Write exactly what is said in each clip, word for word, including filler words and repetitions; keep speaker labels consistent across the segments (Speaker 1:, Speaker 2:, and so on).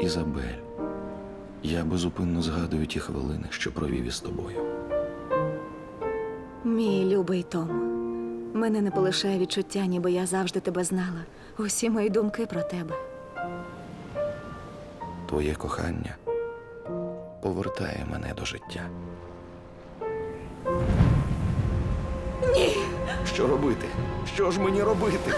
Speaker 1: Ізабель, я безупинно згадую ті хвилини, що провів із тобою.
Speaker 2: Мій любий Том, мене не полишає відчуття, ніби я завжди тебе знала. Усі мої думки про тебе.
Speaker 1: Твоє кохання повертає мене до життя.
Speaker 2: Ні!
Speaker 1: Що робити? Що ж мені робити?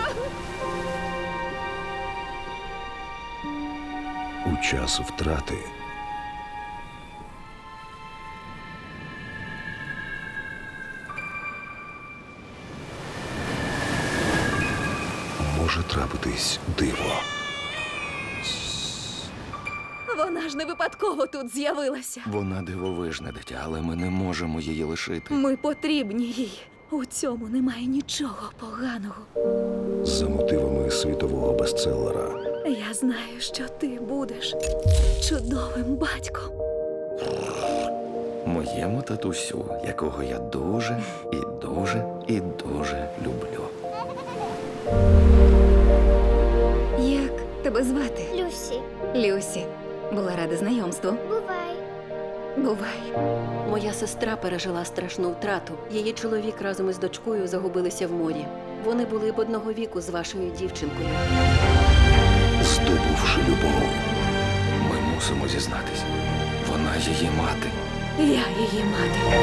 Speaker 3: У час втрати може трапитись диво.
Speaker 2: Вона ж не випадково тут з'явилася.
Speaker 1: Вона дивовижне дитя, але ми не можемо її лишити.
Speaker 2: Ми потрібні їй. У цьому немає нічого поганого.
Speaker 3: За мотивами світового бестселера
Speaker 2: Я знаю, що ти будеш чудовим батьком.
Speaker 1: Моєму татусю, якого я дуже і дуже і дуже люблю.
Speaker 2: Як тебе звати?
Speaker 4: Люсі,
Speaker 2: Люсі. Була рада знайомству.
Speaker 4: бувай.
Speaker 2: Бувай.
Speaker 5: Моя сестра пережила страшну втрату. Її чоловік разом із дочкою загубилися в морі. Вони були б одного віку з вашою дівчинкою.
Speaker 3: здобувши любов.
Speaker 1: Ми мусимо зізнатись. Вона її мати.
Speaker 2: Я її мати.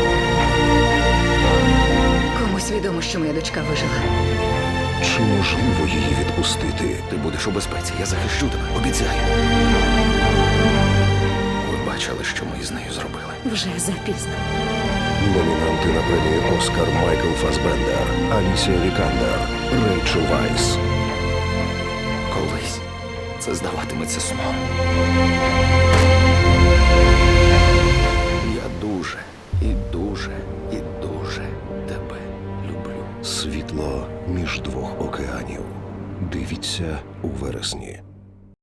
Speaker 2: Комусь відомо, що моя дочка вижила.
Speaker 3: Чи можливо її відпустити?
Speaker 1: Ти будеш у безпеці, я захищу тебе, обіцяю. Ви бачили, що ми із нею зробили?
Speaker 2: Вже запізно.
Speaker 3: Номінанти на премію Оскар Майкл Фасбендер, Алісія Вікандер, Рейчел Вайс.
Speaker 1: Колись це здаватиметься сном. Я дуже і дуже і дуже тебе люблю.
Speaker 3: Світло між двох океанів. Дивіться у вересні.